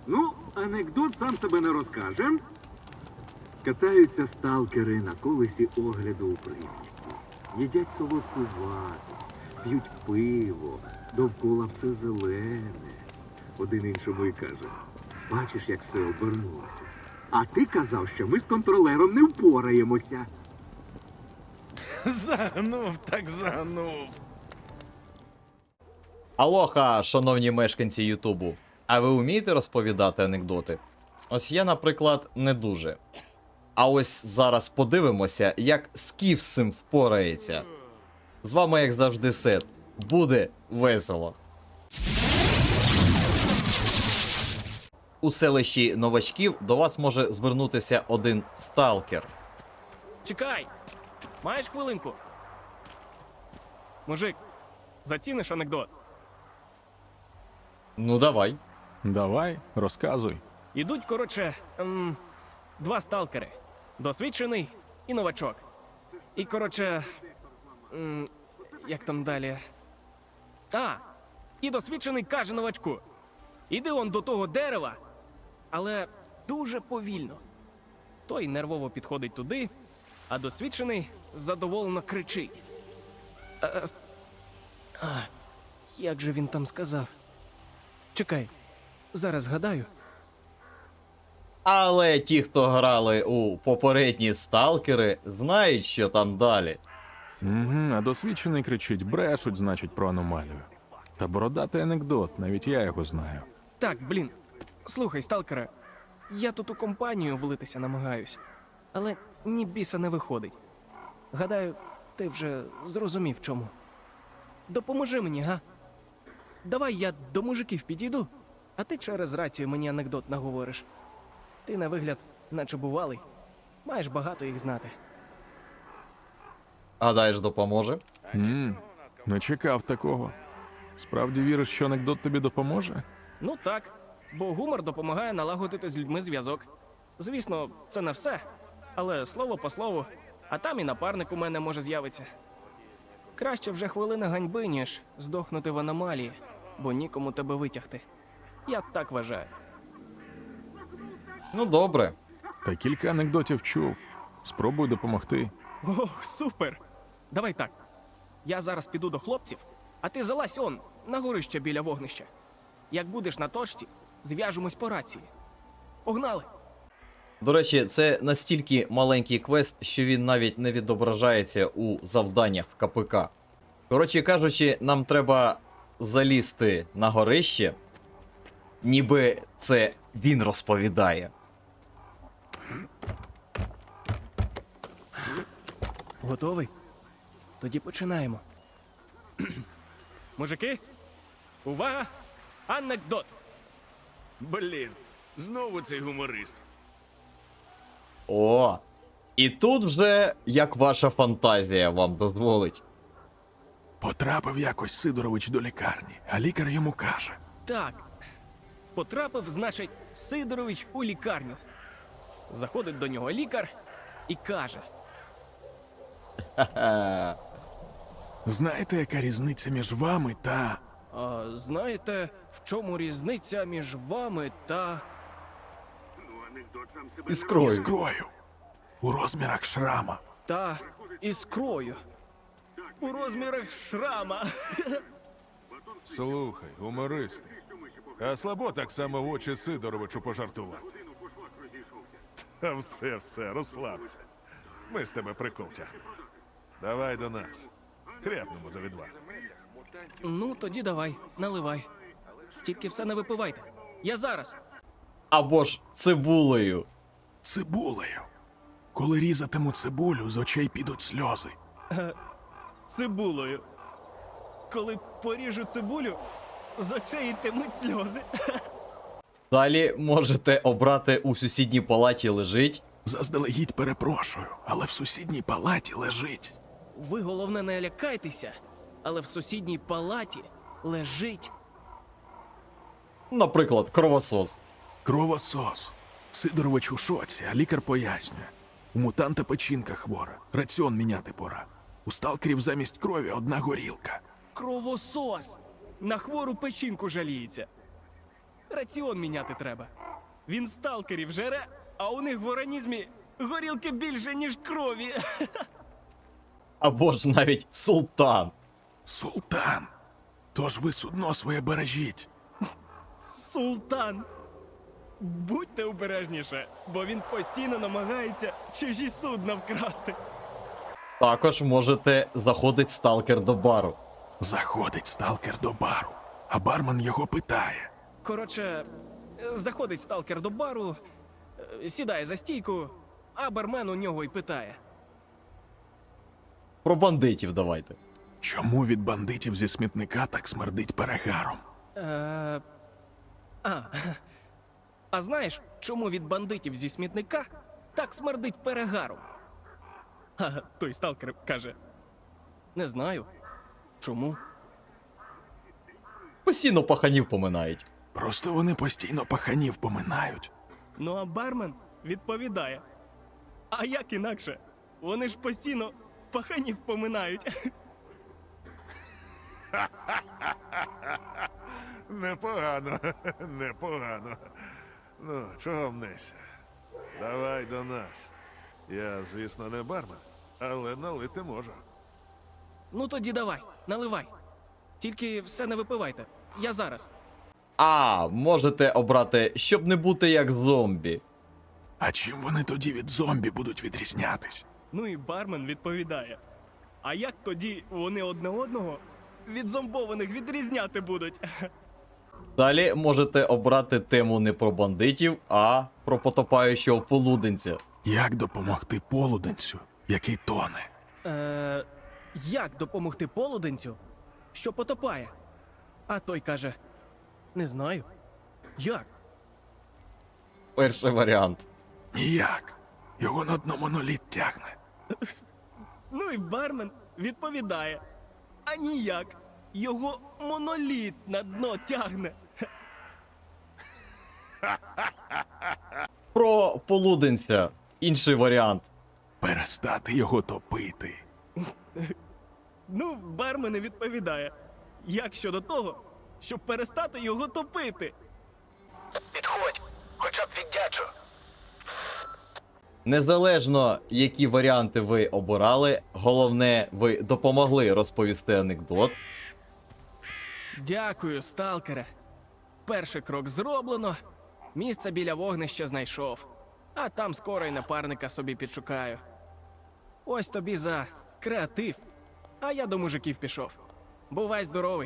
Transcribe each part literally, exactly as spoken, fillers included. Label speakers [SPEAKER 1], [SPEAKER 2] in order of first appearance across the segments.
[SPEAKER 1] Ну, анекдот сам себе не розкаже. Катаються сталкери на колесі огляду у Прип'яті. Їдять солодку вату, п'ють пиво, довкола все зелене. Один іншому і каже: бачиш, як все обернулося. А ти казав, що ми з контролером не впораємося.
[SPEAKER 2] Загнув, так загнув.
[SPEAKER 3] Алоха, шановні мешканці Ютубу. А ви вмієте розповідати анекдоти? Ось я, наприклад, не дуже. А ось зараз подивимося, як Скіф з цим впорається. З вами, як завжди, Сет. Буде весело. У селищі новачків до вас може звернутися один сталкер.
[SPEAKER 4] Чекай! Маєш хвилинку? Мужик, заціниш анекдот?
[SPEAKER 3] Ну давай.
[SPEAKER 2] Давай, розказуй.
[SPEAKER 4] Ідуть, коротше, ем, два сталкери. Досвідчений і новачок. І, коротше, ем, як там далі? А, і досвідчений каже новачку: іди он до того дерева, але дуже повільно. Той нервово підходить туди, а досвідчений задоволено кричить. Е, а, як же він там сказав? Чекай, зараз згадаю.
[SPEAKER 3] Але ті, хто грали у попередні сталкери, знають, що там далі.
[SPEAKER 2] Угу, а досвідчений кричить: брешуть, значить, про аномалію. Та бородатий анекдот, навіть я його знаю.
[SPEAKER 4] Так, блін. Слухай, сталкере, я тут у компанію влитися намагаюсь, але ні біса не виходить. Гадаю, ти вже зрозумів чому. Допоможи мені, га? Давай я до мужиків підійду, а ти через рацію мені анекдот наговориш. Ти на вигляд, наче бувалий, маєш багато їх знати.
[SPEAKER 3] Гадаєш, допоможе?
[SPEAKER 2] Ммм, не чекав такого. Справді віриш, що анекдот тобі допоможе?
[SPEAKER 4] Ну так, бо гумор допомагає налагодити з людьми зв'язок. Звісно, це не все, але слово по слову, а там і напарник у мене може з'явитися. Краще вже хвилина ганьби, ніж здохнути в аномалії, бо нікому тебе витягти. Я так вважаю.
[SPEAKER 3] Ну добре.
[SPEAKER 2] Та кілька анекдотів чув. Спробуй допомогти.
[SPEAKER 4] Ох, супер! Давай так. Я зараз піду до хлопців, а ти залазь он, на горище біля вогнища. Як будеш на точці, зв'яжемось по рації. Погнали!
[SPEAKER 3] До речі, це настільки маленький квест, що він навіть не відображається у завданнях в КПК. Коротше кажучи, нам треба залізти на горище, ніби це він розповідає.
[SPEAKER 4] Готовий? Тоді починаємо. Мужики, увага! Анекдот!
[SPEAKER 5] Блін, знову цей гуморист.
[SPEAKER 3] О! І тут вже як ваша фантазія вам дозволить.
[SPEAKER 2] Потрапив якось Сидорович до лікарні, а лікар йому каже:
[SPEAKER 4] Так. Потрапив, значить, Сидорович у лікарню. Заходить до нього лікар і каже:
[SPEAKER 3] Ха-ха.
[SPEAKER 2] знаєте, яка різниця між вами та.
[SPEAKER 4] а знаєте, в чому різниця між вами та...
[SPEAKER 3] Іскрою.
[SPEAKER 2] Іскрою. У розмірах шрама.
[SPEAKER 4] та іскрою? У розмірах шрама.
[SPEAKER 5] Слухай, гумористи. А слабо так само в очі Сидоровичу пожартувати. Та все, все, розслабся. Ми з тебе прикол тягнемо. Давай до нас. Хряпнемо за відвагу.
[SPEAKER 4] Ну, тоді давай, наливай. Тільки все не випивайте. Я зараз.
[SPEAKER 3] Або ж цибулею.
[SPEAKER 2] Цибулею. Коли різатиму цибулю, з очей підуть сльози.
[SPEAKER 4] Цибулою. Коли поріжу цибулю, з очей йтимуть сльози.
[SPEAKER 3] Далі можете обрати у сусідній палаті лежить.
[SPEAKER 2] Заздалегідь перепрошую, але в сусідній палаті лежить.
[SPEAKER 4] Ви, головне, не лякайтеся, але в сусідній палаті лежить...
[SPEAKER 3] Наприклад, кровосос.
[SPEAKER 2] Кровосос. Сидорович у шоці, а лікар пояснює. У мутанта печінка хвора, раціон міняти пора. У сталкерів замість крові одна горілка.
[SPEAKER 4] Кровосос! На хвору печінку жаліється. раціон міняти треба. Він сталкерів жере, а у них в організмі горілки більше, ніж крові.
[SPEAKER 3] Або ж навіть султан.
[SPEAKER 2] Султан! Тож ви судно своє бережіть.
[SPEAKER 4] Султан! Будьте обережніше, бо він постійно намагається чужі судна вкрасти.
[SPEAKER 3] Також можете заходить сталкер до бару.
[SPEAKER 2] Заходить сталкер до бару, а бармен його питає.
[SPEAKER 4] Коротше, е, заходить сталкер до бару, е, сідає за стійку, а бармен у нього й питає.
[SPEAKER 3] Про бандитів давайте.
[SPEAKER 2] Чому від бандитів зі смітника так смердить перегаром?
[SPEAKER 4] Е, а, а знаєш, чому від бандитів зі смітника так смердить перегаром? А той сталкер каже: не знаю. Чому?
[SPEAKER 3] Постійно паханів поминають.
[SPEAKER 2] Просто вони постійно паханів поминають.
[SPEAKER 4] Ну а бармен відповідає: а як інакше? Вони ж постійно паханів поминають.
[SPEAKER 5] Непогано, непогано. Ну, чого мнешся? Давай до нас. Я, звісно, не бармен, але налити можу.
[SPEAKER 4] Ну тоді давай, наливай. Тільки все не випивайте. Я зараз.
[SPEAKER 3] А, можете обрати, щоб не бути як зомбі.
[SPEAKER 2] А чим вони тоді від зомбі будуть відрізнятись?
[SPEAKER 4] Ну і бармен відповідає: а як тоді вони одне одного від зомбованих відрізняти будуть?
[SPEAKER 3] Далі можете обрати тему не про бандитів, а про потопаючого полуденця.
[SPEAKER 2] Як допомогти полуденцю, який тоне?
[SPEAKER 4] Е, як допомогти полуденцю, що потопає? А той каже: не знаю. Як?
[SPEAKER 3] Перший варіант.
[SPEAKER 2] Ніяк. Його на дно моноліт тягне.
[SPEAKER 4] Ну і бармен відповідає: а ніяк. Його моноліт на дно тягне.
[SPEAKER 3] Про полуденця. Інший варіант.
[SPEAKER 2] Перестати його топити.
[SPEAKER 4] Ну, бармен і відповідає: як щодо того, щоб перестати його топити?
[SPEAKER 6] Підходь, хоча б віддячу.
[SPEAKER 3] Незалежно, які варіанти ви обирали, головне, ви допомогли розповісти анекдот.
[SPEAKER 4] Дякую, сталкере. Перший крок зроблено, місце біля вогнища знайшов, а там скоро й напарника собі підшукаю. Ось тобі за креатив, а я до мужиків пішов. Бувай здоровий.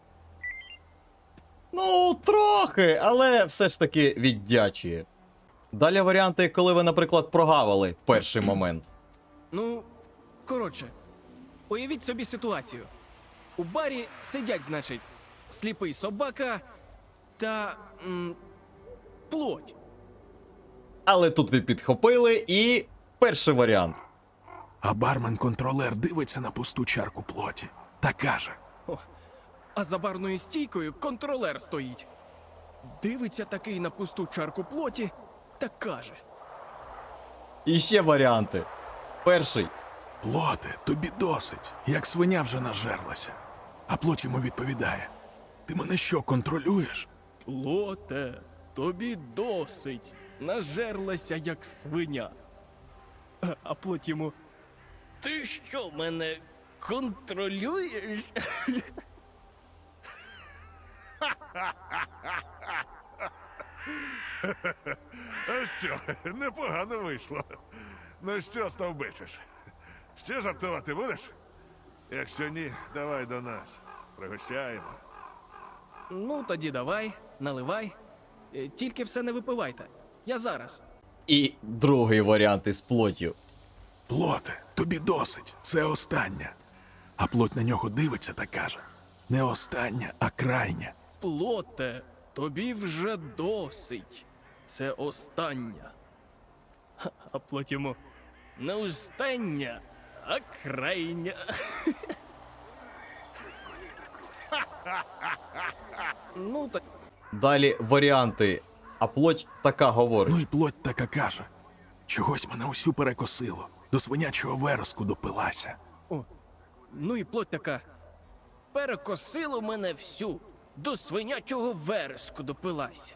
[SPEAKER 3] Ну, трохи, але все ж таки віддячує. Далі варіанти, коли ви, наприклад, прогавили перший момент.
[SPEAKER 4] Ну, коротше, уявіть собі ситуацію. У барі сидять, значить, сліпий собака та м, плоть.
[SPEAKER 3] Але тут ви підхопили і перший варіант.
[SPEAKER 2] А бармен-контролер дивиться на пусту чарку плоті та каже:
[SPEAKER 4] О, а за барною стійкою контролер стоїть. Дивиться такий на пусту чарку плоті та каже:
[SPEAKER 3] І ще варіанти. Перший.
[SPEAKER 2] плоте, тобі досить, як свиня вже нажерлася. А плоть йому відповідає: ти мене що, контролюєш?
[SPEAKER 4] Плоте, тобі досить. Нажерлася, як свиня. А, а плоть йому: ти що, мене контролюєш?
[SPEAKER 5] А що, непогано вийшло. Ну що, стовбичиш? Ще жартувати будеш? Якщо ні, давай до нас. Пригощаємо.
[SPEAKER 4] Ну, тоді давай, наливай. Е, Тільки все не випивайте. Я зараз.
[SPEAKER 3] І другий варіант із плоттю.
[SPEAKER 2] Плоте, тобі досить, це остання. А плоть на нього дивиться та каже: не остання, а крайня.
[SPEAKER 4] Плоте, тобі вже досить. Це остання. Ха, а плоть йому: не остання, а крайня. Ну, так.
[SPEAKER 3] Далі варіанти. А плоть така говорить.
[SPEAKER 2] Ну і плоть така каже: чогось мене усю перекосило, до свинячого вереску допилася.
[SPEAKER 4] О, ну і плоть така: перекосило мене всю. до свинячого вереску допилася.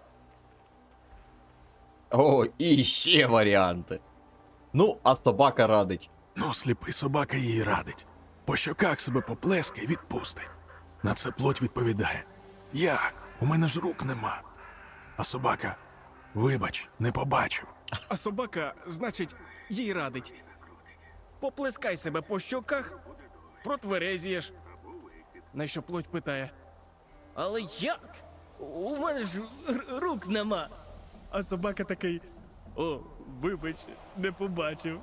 [SPEAKER 3] О, і ще варіанти. Ну, а собака радить.
[SPEAKER 2] Ну, сліпий собака їй радить. По щоках себе поплескає, відпустить. На це плоть відповідає: як? У мене ж рук нема. А собака: вибач, не побачив.
[SPEAKER 4] А собака, значить, їй радить. Поплескай себе по щоках, протверезієш. На що плоть питає: але як? У мене ж р- рук нема. А собака такий: о, вибач, не побачив.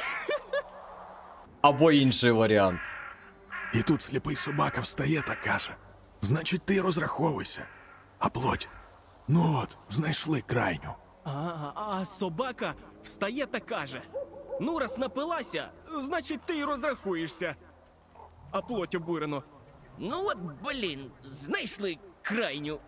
[SPEAKER 3] Або інший варіант.
[SPEAKER 2] І тут сліпий собака встає та каже: значить, ти розраховуйся. А плоть: ну от, знайшли крайню.
[SPEAKER 4] А, а собака встає та каже: ну, раз напилася, значить ти й розрахуєшся. А плоть обурено: ну от, блін, знайшли крайню.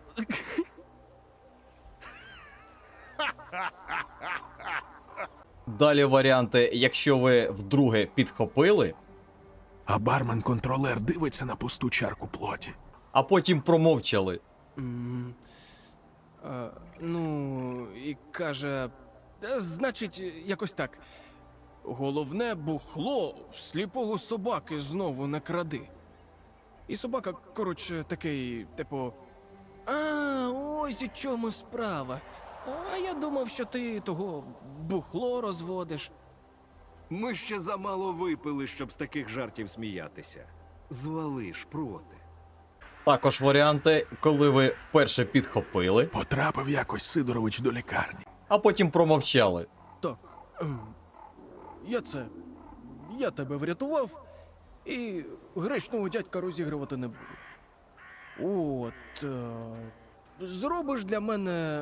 [SPEAKER 3] Далі варіанти, якщо ви вдруге підхопили,
[SPEAKER 2] А бармен-контролер дивиться на пусту чарку плоті.
[SPEAKER 3] а потім промовчали.
[SPEAKER 4] М, а, ну, і каже: «Та, значить, якось так. Головне бухло сліпого собаки знову не кради. І собака, коротше, такий, типу: а, ось у чому справа. А я думав, що ти того бухло розводиш.
[SPEAKER 1] Ми ще замало випили, щоб з таких жартів сміятися. Звали шпроти.
[SPEAKER 3] Також варіанти, коли ви вперше підхопили,
[SPEAKER 2] Потрапив якось Сидорович до лікарні.
[SPEAKER 3] а потім промовчали.
[SPEAKER 4] Так, ем, я це. Я тебе врятував і гречного дядька розігрувати не буду. От. Е, зробиш для мене.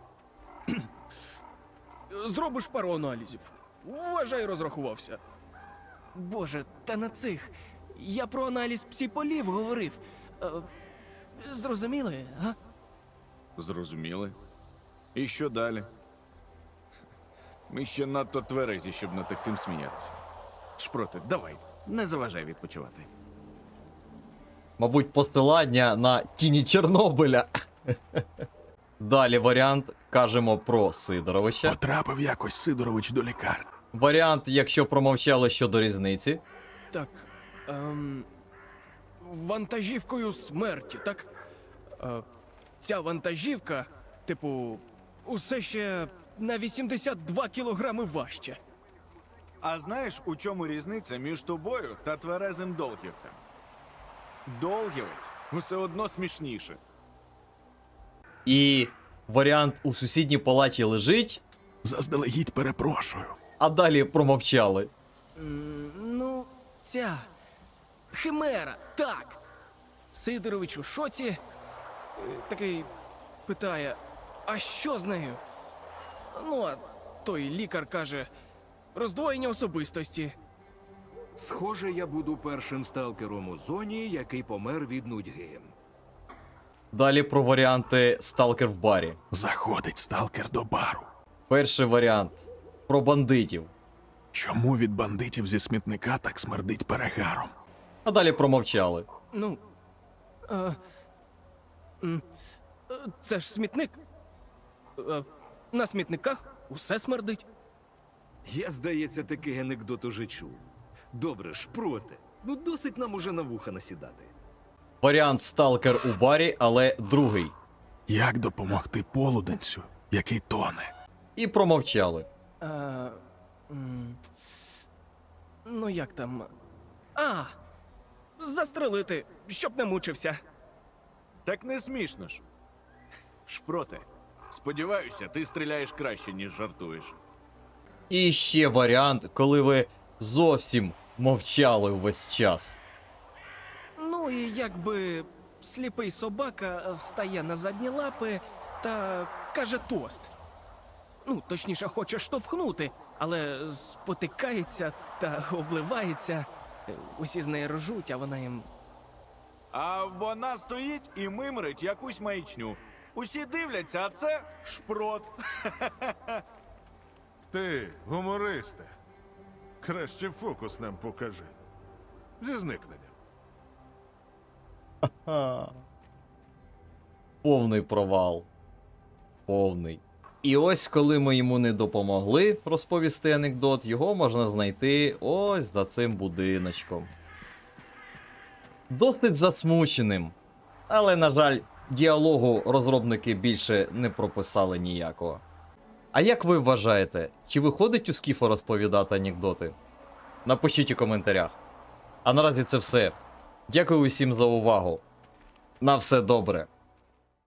[SPEAKER 4] Зробиш пару аналізів. Вважай, розрахувався. Боже, та на цих. Я про аналіз псіполів говорив. Е, зрозуміли, га?
[SPEAKER 7] Зрозуміли. І що далі? Ми ще надто тверезі, щоб над таким сміятися. Шпроти, давай, не заважай відпочивати.
[SPEAKER 3] Мабуть, посилання на тіні Чорнобиля. Далі варіант, кажемо про Сидоровича.
[SPEAKER 2] Потрапив якось Сидорович до лікарні.
[SPEAKER 3] Варіант, якщо промовчали щодо різниці.
[SPEAKER 4] Так. Ем, вантажівкою смерті, так? Е, ця вантажівка, типу, усе ще на вісімдесят два кілограми важче.
[SPEAKER 7] А знаєш, у чому різниця між тобою та тверезим долгівцем? Долгівець усе одно смішніше.
[SPEAKER 3] І варіант у сусідній палаті лежить,
[SPEAKER 2] Заздалегідь перепрошую.
[SPEAKER 3] а далі промовчали.
[SPEAKER 4] М, ну, ця химера, так. Сидорович у шоці. е, Такий питає: а що з нею? Ну, а той лікар каже: роздвоєння особистості.
[SPEAKER 1] Схоже, я буду першим сталкером у зоні, який помер від нудьги.
[SPEAKER 3] Далі про варіанти сталкер в барі.
[SPEAKER 2] Заходить сталкер до бару.
[SPEAKER 3] Перший варіант про бандитів.
[SPEAKER 2] Чому від бандитів зі смітника так смердить перегаром?
[SPEAKER 3] А далі промовчали.
[SPEAKER 4] Ну. Е, м, е, це ж смітник. Е, на смітниках усе смердить.
[SPEAKER 1] Я, здається, такий анекдот уже чув. Добре, шпроти. Ну досить нам уже на вуха насідати.
[SPEAKER 3] Варіант сталкер у барі, але другий.
[SPEAKER 2] Як допомогти полуденцю, який тоне?
[SPEAKER 3] І промовчали.
[SPEAKER 4] Е, м, ну як там. А! Застрелити, щоб не мучився.
[SPEAKER 7] Так не смішно ж. Шпроти, сподіваюся, ти стріляєш краще, ніж жартуєш.
[SPEAKER 3] І ще варіант, коли ви зовсім мовчали увесь час.
[SPEAKER 4] Ну і якби сліпий собака встає на задні лапи та каже тост. Ну, точніше, хоче штовхнути, але спотикається та обливається. Усі з неї ржуть, а вона їм.
[SPEAKER 7] А вона стоїть і мимрить якусь маячню. Усі дивляться, а це шпрот.
[SPEAKER 5] Ти, гумористе, краще фокус нам покажи. Зі зникненням.
[SPEAKER 3] Повний провал. Повний. І ось коли ми йому не допомогли розповісти анекдот, його можна знайти ось за цим будиночком. Досить засмученим. Але, на жаль, діалогу розробники більше не прописали ніякого. А як ви вважаєте, чи виходить у Скіфа розповідати анекдоти? Напишіть у коментарях. А наразі це все. Дякую усім за увагу. На все добре.